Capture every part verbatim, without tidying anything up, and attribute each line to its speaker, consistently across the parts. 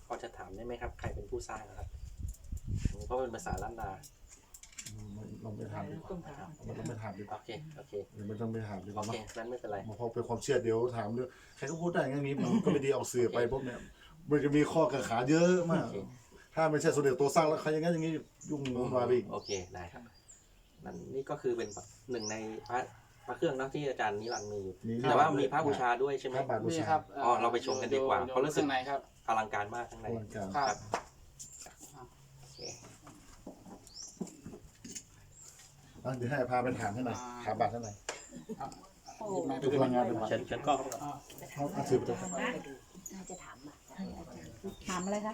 Speaker 1: พอจะถามได้ไหมครับใครเป็นผู้สร้างนะครับเพราะเป็นภาษาล้านนา
Speaker 2: ลองไปถามดีกว่ามันต้องไปถามดีกว่า
Speaker 1: โอเคโอเค
Speaker 2: มันต้องไปถามดีกว่า
Speaker 1: โอเคนั้นไม่เป็นไร
Speaker 2: พอเป็นความเชื่อเดี๋ยวถามเรื่องใครก็พูดได้งั้นนี้มันก็ไม่ดีเอาสื่อไปพวกเนี้ยมันจะมีข้อกังขาเยอะมากถ้าไม่ใช่สมเด็จตัวสร้างแล้วใครอย่างนั้นอย่างนี้ยุ่งวุ่นวายไปอีก
Speaker 1: โอเคได้ครับนั่นนี่ก็คือเป็นหนึ่งในพระพระเครื่องนะที่อาจารย์นิรันดร์มีอยู่แต่ว่ามีพระบูชาด้วยใช่ไหม
Speaker 2: มี
Speaker 3: ครับ
Speaker 1: อ๋อเราไปชมกันดีกว่าเพราะรู้สึก
Speaker 3: ครับ
Speaker 1: อลังการมากข้างใน
Speaker 3: ครับ
Speaker 2: เดี๋ยวให้พาไปถามให้หน่อยถามบัตรให้หน่อย
Speaker 3: ดูพลังงานดู
Speaker 1: ฉันฉันก็
Speaker 2: เขาสืบไป
Speaker 4: น่าจะถามบัตร
Speaker 5: ถามอะไรคะ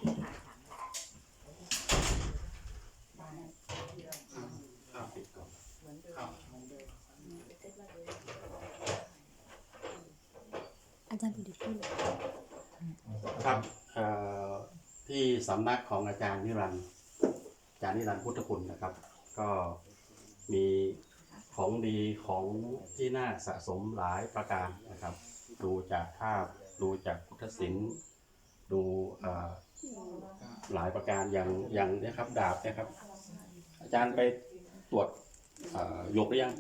Speaker 5: อาจารย์ดูดิพูดเลย
Speaker 6: ครับที่สำนักของอาจารย์นิรันดร์อาจารย์นิรันดร์พุทธคุณนะครับก็มีของดีของที่น่าสะสมหลายประการนะครับดูจากภาพดูจากพุทธศิลป์ดูหลายประการอย่างอย่างนี้ครับดาบนะครับอาจารย์ไปตรวจยกหรือยัง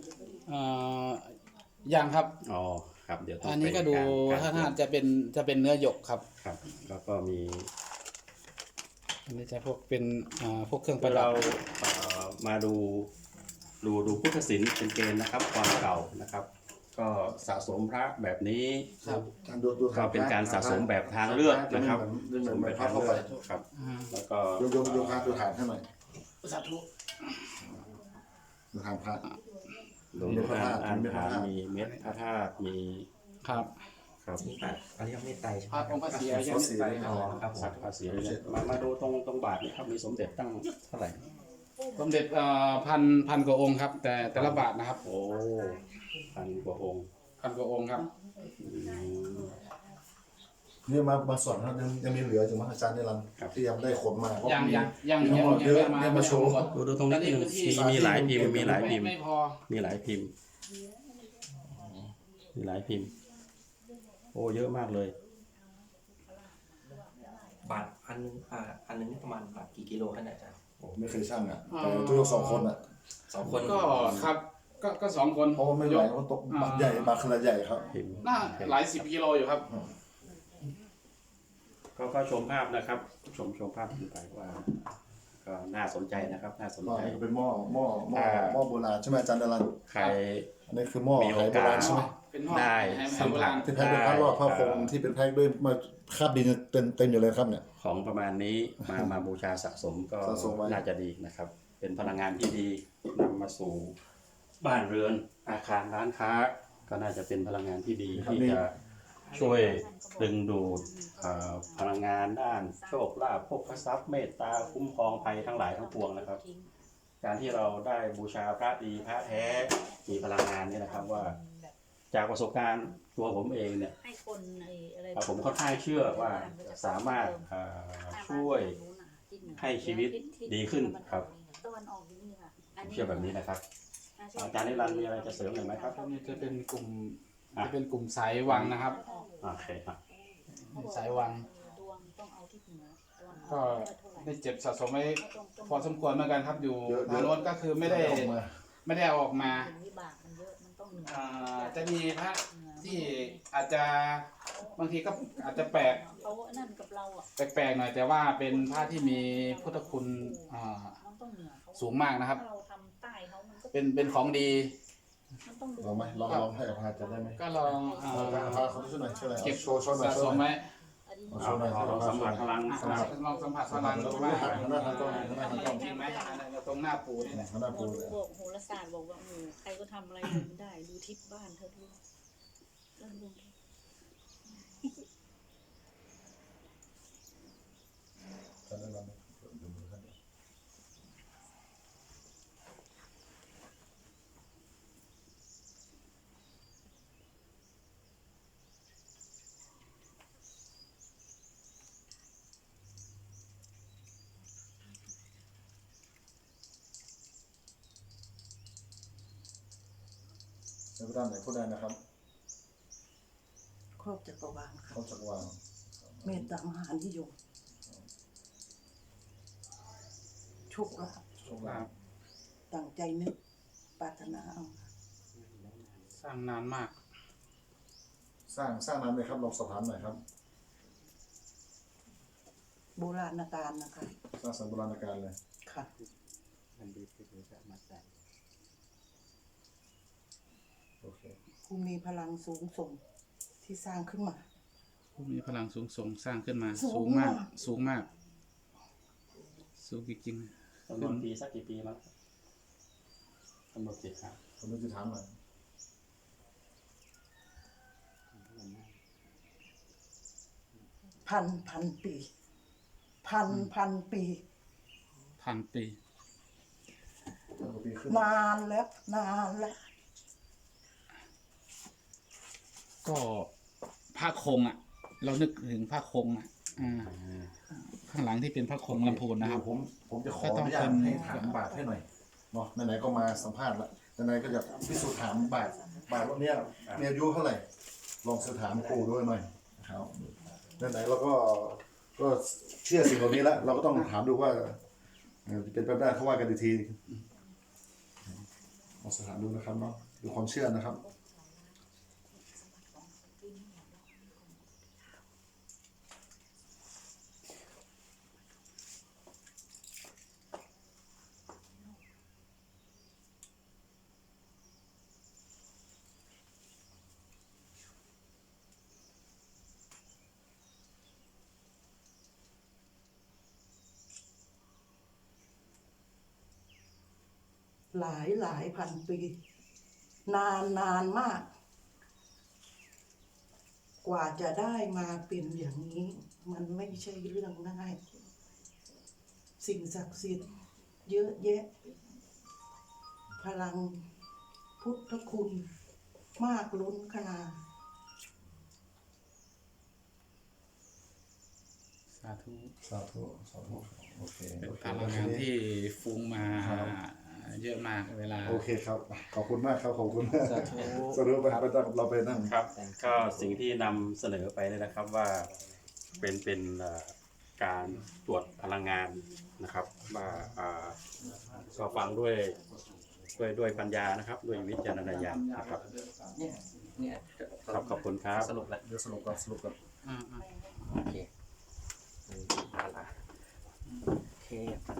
Speaker 3: ยังครับ
Speaker 6: อ๋อครับเดี๋ยว
Speaker 3: อันนี้ก็ดูถ้าท่านจะเป็นจะเป็นเนื้อหยกครับ
Speaker 6: ครับแล้วก็มี
Speaker 3: อันนี้จะพวกเป็นพวกเครื่องประดับ
Speaker 6: เรามาดูดูดูพุทธศิลป์เป็นเกณฑ์นะครับความเก่านะครับก็สะสมพระแบบนี้ก็เป็นการสะสมแบบทางเลือกนะครับสะสมแบบทางเลือกครับแล้วก็
Speaker 2: โยมโยมโยมพระดูฐานให้หน่อย
Speaker 3: สาธุ
Speaker 2: ดูฐานพระ
Speaker 6: ดูพระธาตุมีพระธาตุมีเม็ดพระธาตุมี
Speaker 3: ครับ
Speaker 1: ครับอันนี้ยังไม่ไตใช่ไหม
Speaker 3: พระองค์พระศรีอริยเมตไตร
Speaker 1: อ๋อครับผม
Speaker 6: พระศรีอริยมามาดูตรงตรงบาทนี่ครับมีสมเด็จตั้งเท่าไหร่
Speaker 3: สมเด็จพันพันกว่าองค์ครับแต่แต่ละบาทนะครับ
Speaker 6: โอ้พันกว่าองค์
Speaker 3: พันกว่าองค์ครับ
Speaker 2: นี่มามาสอนครับยังยังมีเหลืออยู่มั้งอาจารย์นิรันดร์ที่ยังได้ขนมา
Speaker 3: ยังยังยัง
Speaker 2: ยังเยอะเนี่ยมาโชว์
Speaker 6: ดูดูตรงนี้มีมีหลายพิมพ์มีหลายพิมพ์มีหลายพิมพ์มีหลายพิมพ์โอ้เยอะมากเลย
Speaker 1: บาทอันนึงอ่าอันนึงประมาณบาทกี่กิโลขนาดอาจารย์
Speaker 2: โอ้ไม่เคยช่างอ่ะแต่ตัวยกสองคนอ่ะ
Speaker 1: สองคน
Speaker 3: ก็ครับก็ก็สองคน
Speaker 2: เพราะว่าไม่ไหวเพราะตกบาทใหญ่บาทขนาดใหญ่ครับ
Speaker 3: น่าหลายสิบกิโลอยู่ครับ
Speaker 6: ก็ก็ชมภาพนะครับชมชมภาพขึ้นไปว่าก็น่าสนใจนะครับน่าสนใจ
Speaker 2: เป็นหม้อหม้อหม้อหม้อโบราณใช่ไหมอาจารย์นิรันดร์
Speaker 6: ใคร
Speaker 2: อันนี้คือหม้อไหโบราณใช่ไหม
Speaker 6: ได้สัมผัส
Speaker 2: ที่แพ็คเป็นพระรอดพระคงที่เป็นแพ็คด้วยมาคาบดินเต็มเต็มอยู่เลยครับเนี่ย
Speaker 6: ของประมาณนี้มามาบูชาสะสมก็น่าจะดีนะครับเป็นพลังงานที่ดีนำมาสู่บ้านเรือนอาคารร้านค้าก็น่าจะเป็นพลังงานที่ดีที่จะช่วยดึงดูดพลังงานด้านโชคลาภภพทรัพย์เมตตาคุ้มครองภัยทั้งหลายทั้งปวงนะครับการที่เราได้บูชาพระดีพระแท้มีพลังงานนี่นะครับว่าจากประสบการณ์ตัวผมเองเนี่ยผมค่อนข้างเชื่อว่าสามารถช่วยให้ชีวิตดีขึ้นครับเชื่อแบบนี้นะครับอาจารย์นิรันดร์มีอะไรจะเสริมหรือไม่ครับ
Speaker 3: นี่จะเป็นกลุ่มจะเป็นกลุ่มสายวังนะครับ
Speaker 6: โอเคครับ
Speaker 3: สายวังก็ได้เจ็บสะสมไว้พอสมควรเหมือนกันครับอยู่ทางโน้นก็คือไม่ได้ไม่ได้เอาออกมาจะมีพระที่อาจจะบางทีก็อาจจะแปลกแปลกๆหน่อยแต่ว่าเป็นพระที่มีพุทธคุณสูงมากนะครับเป็นเป็นของดี
Speaker 2: ลองไหมลองลองให้อภัยจะได้ไหม
Speaker 3: ก็ลอง
Speaker 2: พาเขาช่วยหน่อยช่วยหน่อย
Speaker 3: เก็บ
Speaker 2: โชว์โชว์หน่อย
Speaker 3: สะสมไหม
Speaker 2: โชว์หน่อย
Speaker 6: ลองสัมผัสพลัง
Speaker 3: ลองสัมผัสพลังดูว่า
Speaker 2: หน้าทางตรงหน้าทางตรง
Speaker 3: จริงไหมตรงหน้าปูนี่แหละ
Speaker 2: หน้าปูเลย
Speaker 5: บอกโหราศาสตร์บอกว่าใครก็ทำอะไรได้ดูทิศบ้านเธอดูเริ่มลง
Speaker 2: จะได้รับในพระด้านไหนพูดได้นะครับ
Speaker 5: ครอบจักรวาลค
Speaker 2: รอบจักรวาล
Speaker 5: เมตตามหานิยม
Speaker 7: โชคลาภ
Speaker 2: โชคลาภ
Speaker 7: ตั้งใจนึกปรารถนาเอา
Speaker 3: สร้างนานมาก
Speaker 2: สร้างสร้างนั้นเลยครับลองสอบถามหน่อยครับ
Speaker 7: โบราณกาลนะคะ
Speaker 2: สร้างสรรค์โบราณกาลเลย
Speaker 7: ค่ะ
Speaker 2: โอเค
Speaker 7: ผู้มีพลังสูงส่งที่สร้างขึ้นมา
Speaker 3: ผู้มีพลังสูงส่งสร้างขึ้นมา
Speaker 7: สู
Speaker 3: สู
Speaker 7: ง
Speaker 3: งมาก
Speaker 7: มาก
Speaker 3: สูงมาก สูงจริง
Speaker 6: จำนวนปีสักกี่ปีมั้งกำหนดสิครับ
Speaker 2: ผมจะถามหน่อย
Speaker 7: พันพันปี พันพันปี
Speaker 3: ๆพันปี
Speaker 2: พันกว่าปีขึ้น
Speaker 7: นานแล้วนานแล้ว
Speaker 3: ก็ผ้าคงอ่ะ เรานึกถึงผ้าคงอ่ะอ่าข้างหลังที่เป็นผ้าคงลำพูนนะครับ
Speaker 2: ผมผมจะขอ
Speaker 3: ก็
Speaker 2: อ
Speaker 3: ต้อง
Speaker 2: นุญาต
Speaker 3: เป็น
Speaker 2: ให้ถามบาทให้หน่อยเนาะไหนๆก็มาสัมภาษณ์ละไหนๆก็อยากพิสูจน์ถามบาทบาทว่าเนี้ยมีอายุเท่าไหร่ ลองสืบถามครูด้วยหน่อยนะครับไหนๆเราก็ก็เชื่อสิ่งเหล่านี้แล้วเราก็ต้องถามดูว่าเอ่อจะเป็นไปได้เขาว่ากันอีกทีลองสืบถามดูนะครับเนาะดูความเชื่อนะครับ
Speaker 7: หลายหลายพันปี นานนานมาก กว่าจะได้มาเป็นอย่างนี้ มันไม่ใช่เรื่องง่าย สิ่งศักดิ์สิทธิ์เยอะแยะ พลังพุทธคุณ มากล้นขนาด
Speaker 3: สาธุ
Speaker 2: สาธุสาธุโอเค
Speaker 3: เป็น
Speaker 2: โอเค
Speaker 3: พลังงานที่ฟุ้งมา
Speaker 2: ครับ
Speaker 3: เยอะมากเวลา
Speaker 2: โอเคครับ ขอบคุณมากครับ ขอบคุณ
Speaker 1: สาธุ
Speaker 2: สรุปไปไปตั้งเราไปนั่ง
Speaker 6: ครับก็สิ่งที่นำเสนอไปเนี่ยนะครับว่าเป็นเป็นเอ่อการตรวจพลังงานนะครับว่าอ่าก็ฟังด้วยด้วยด้วยปัญญานะครับ ด้วยวิจารณญาณนะครับ
Speaker 1: เนี่ยเนี่ย
Speaker 6: ครับขอบคุณครับ
Speaker 1: สรุปแล้ว
Speaker 2: เดี๋ยวสรุปก่อนสรุปก่อน
Speaker 3: อ่าอ่า
Speaker 1: โอเคอืมเอาละโอเค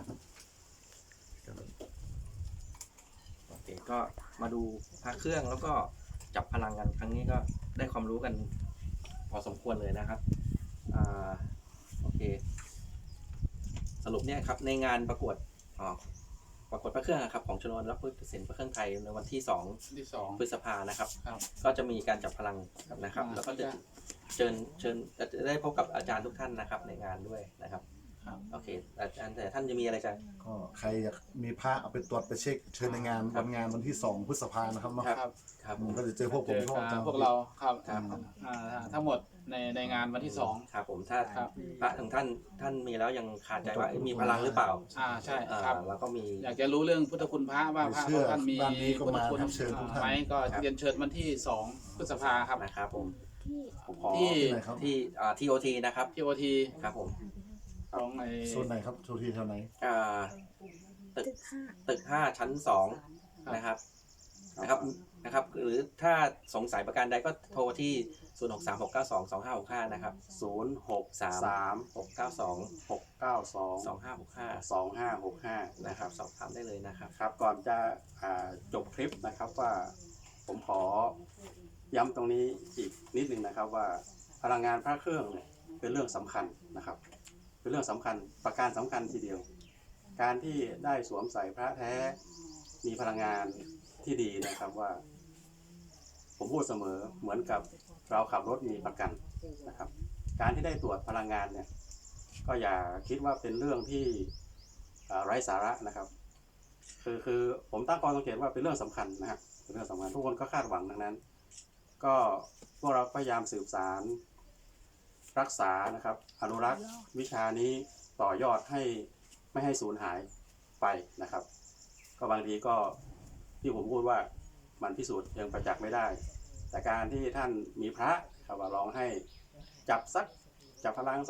Speaker 1: โอเค ก็มาดูพระเครื่องแล้วก็จับพลังกันครั้งนี้ก็ได้ความรู้กันพอสมควรเลยนะครับอ่าโอเค สรุปเนี่ยครับในงานประกวดอ่าประกวดพระเครื่องนะครับของชนวนรับพุทธศิลป์พระเครื่องไทยในวันที่สอง
Speaker 3: ที่สอง
Speaker 1: พฤษภานะครับ
Speaker 3: ครับ
Speaker 1: ก็จะมีการจับพลังนะครับ
Speaker 3: อ่า
Speaker 1: แล้วก็จะเชิญเชิญจะได้พบกับอาจารย์ทุกท่านนะครับ ในงานด้วยนะครับ
Speaker 3: ครับ
Speaker 1: โอเค อาจารย์แต่ท่านจะมีอะไรจะ
Speaker 2: ก็ใครอยากมีพระเอาไปตรวจไปเช็คเชิญในงาน
Speaker 1: ครั
Speaker 2: วั
Speaker 1: บ
Speaker 2: นงานวันที่สองพฤษภานะครับเนาะ
Speaker 3: ครับ
Speaker 1: ครับ
Speaker 2: ผมก็จะเจอพวกผม
Speaker 3: เจอ
Speaker 2: พวก
Speaker 3: อ่า
Speaker 2: อาจารย์
Speaker 3: พวกเราครับ
Speaker 1: ครับ
Speaker 3: อ่าทั้งหมดในในงานวันที่สอง
Speaker 1: ครับผมถ้า
Speaker 3: ครับ
Speaker 1: พระของท่านท่านมีแล้วยังขาดใจว่าเอ๊ะมีพลังหรือเปล่า
Speaker 3: อ่าใช่
Speaker 1: อ่า
Speaker 3: ครับ
Speaker 1: แล้วก็มี
Speaker 3: อยากจะรู้เรื่องพุทธคุณพระว่าพระของท่านมี
Speaker 2: ด้านนี้ก็
Speaker 3: พุทธ
Speaker 2: มา
Speaker 3: คุณ
Speaker 2: ครับเชิญทุกท่าน
Speaker 3: ไหมก็เรียนเชิญวันที่สองพฤษภาครับ
Speaker 1: นะครับผมผมขอ
Speaker 3: ที่
Speaker 2: ที่ไหนครับ
Speaker 1: ที่อ่าทีโอทีนะครับ
Speaker 3: ที่โอที
Speaker 1: ครับผม
Speaker 3: ของไอ
Speaker 2: โซนไหนครับโซนที่แถวไหน
Speaker 1: อ่าตึกตึกห้าชั้นสองนะครับนะครับนะครับ หรือถ้าสงสัยประการใดก็โทรที่ ศูนย์ หก สาม หก เก้า สอง สอง ห้า หก ห้า นะครับ
Speaker 6: ศูนย์หก
Speaker 1: สาม
Speaker 6: สาม
Speaker 1: หก เก้า สอง
Speaker 6: หกเก้าสอง
Speaker 1: สอง ห้า หก ห้า
Speaker 6: สองห้าหกห้า
Speaker 1: นะ
Speaker 6: นะ
Speaker 1: ค
Speaker 6: ค
Speaker 1: รั
Speaker 6: รั
Speaker 1: บบ สอบถามได้เลยนะครับ
Speaker 6: ครับก่อนจะอ่าจบคลิปนะครับว่าผมขอย้ำตรงนี้อีกนิดหนึ่งนะครับว่าพลังงานพระเครื่องเนี่ยเป็นเรื่องสำคัญนะครับ เป็นเรื่องสำคัญประการสำคัญทีเดียว การที่ได้สวมใส่พระแท้มีพลังงานที่ดีนะครับว่า ผมพูดเสมอเหมือนกับเราขับรถมีประกันนะครับ การที่ได้ตรวจพลังงานเนี่ยก็อย่าคิดว่าเป็นเรื่องที่อ่าไร้สาระนะครับ คือคือผมตั้งข้อสังเกตว่าเป็นเรื่องสำคัญนะครับเป็นเรื่องสำคัญทุกคนก็คาดหวังดังนั้น ก็พวกเราพยายามสืบสารรักษานะครับ อนุรักษ์วิชานี้ต่อยอดให้ไม่ให้สูญหายไปนะครับ ก็บางทีก็ที่ผมพูดว่ามันพิสูจน์ยังประจักษ์ไม่ได้ แต่การที่ท่านมีพระครับว่าลองให้จับสักจับพลังสัก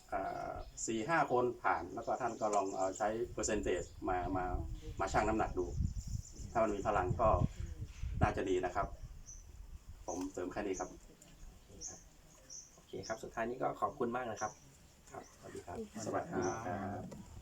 Speaker 6: สี่ห้าคนผ่านแล้วก็ท่านก็ลองเอาใช้เปอร์เซนเทจมามามาชั่งน้ำหนักดู ถ้ามันมีพลังก็น่าจะดีนะครับ ผมเสริมแค่นี้ครับ
Speaker 1: โอเคครับ สุดท้ายนี้ก็ขอบคุณมากนะครับ ครับ สวัสดีครับ
Speaker 6: สวัสดีครับ